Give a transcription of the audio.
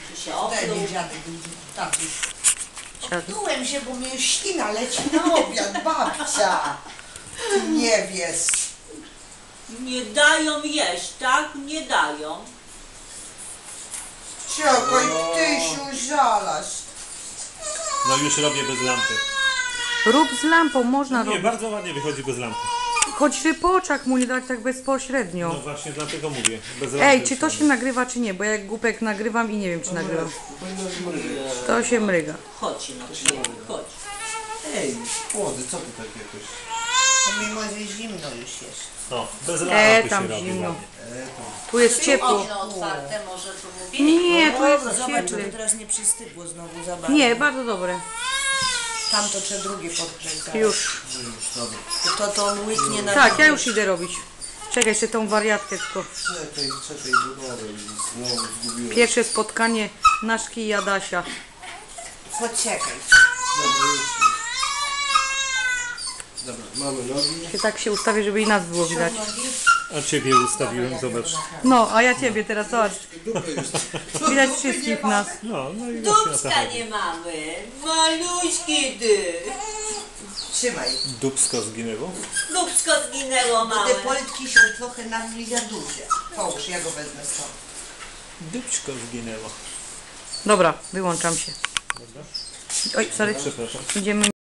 Czy się Wtedy opluł? dziadek tak już. Oplułem się, bo mi już ślina leci na obiad, babcia. Ty nie wiesz. Nie dają jeść, tak? Nie dają. Czekaj, Tysiu, żalasz. No już robię bez lampy. Rób z lampą, można Nie, robić. bardzo ładnie wychodzi bez lampy. Choć ty po oczach mu nie dać tak bezpośrednio. No właśnie dlatego mówię. Bez lampy Ej, już czy to robię. się nagrywa, czy nie? Bo jak głupek nagrywam i nie wiem, czy nagrywam. To się mryga. Chodź, no chodź. Ej, młody, co ty tak jakoś? Pomimo, że zimno już jest. O, bez lampy tam się robi zimno. ładnie. Tu jest ciepło. Okno otwarte, może tu mówić? Nie, tu jest Zobacz, ciepły. teraz nie przystygło znowu za bardzo. Nie, bardzo dobre. Tam to trzeba drugie podkręcać. Już. To on łyknie na Tak, ja już idę robić. Czekaj, jeszcze tą wariatkę tylko. Czekaj, budowę, znowu zgubiłem. Pierwsze spotkanie Naszki i Adasia. Poczekaj. Dobra, już. Dobra, mamy nogi. Tak się ustawię, żeby i nas było widać. A ciebie ustawiłem, zobacz. No, a ja ciebie teraz, zobacz. Dupę już. Widać wszystkich nas. No i właśnie o to Dubska chodzi. nie mamy. Maluśki ty. Trzymaj. Dubsko zginęło. Dubsko zginęło Te małe. politki są trochę na mnie za duże. Połóż, ja go wezmę stąd. Dubsko zginęło. Dobra, wyłączam się. Oj, sorry. Przepraszam. Idziemy.